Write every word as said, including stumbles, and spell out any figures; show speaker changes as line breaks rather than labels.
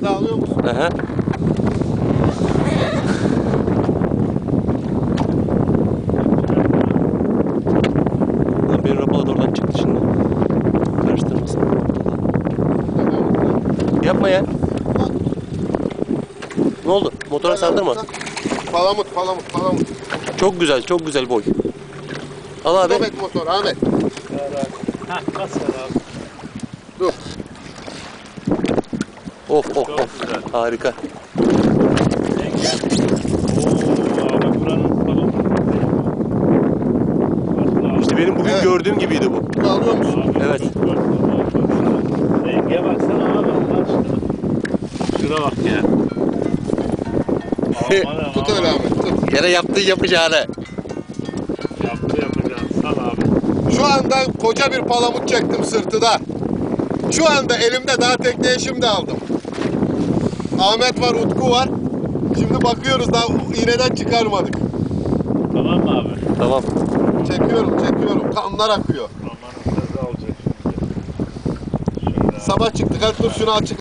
Balığı da alıyor musun?
Aha. Lan benim rapalı da oradan çıktı şimdi. Karıştırmasın. Yapma ya. Ne oldu? Motora sardırma.
Palamut, palamut, palamut.
Çok güzel, çok güzel boy. Al abi.
Ahmet motor, Ahmet.
Hah, bas ver abi.
Dur.
Of of
Çok
of.
güzel.
Harika.
Yenge. Oo abi buranın falan.
İşte benim bugün
Evet.
gördüğüm gibiydi bu.
Bunu alıyor musun?
Abi,
Evet.
çok gördüm, çok güzel. Renge baksana abi Allah aşkına. Şuna bak ya. Aman aman.
Tut öyle Ahmet, tut.
Gene yaptığı yapacağını.
Yaptı yapacağım. Sal abi.
Şu anda koca bir palamut çektim sırtıda. Şu anda elimde daha tekneye şimdi aldım. Ahmet var, Utku var. Şimdi bakıyoruz daha iğneden çıkarmadık.
Tamam mı abi?
Tamam.
Çekiyorum, çekiyorum. Kanlar akıyor.
Aman nasıl alacak şimdi. Şöyle.
Sabah çıktık, hadi dur şunu açık.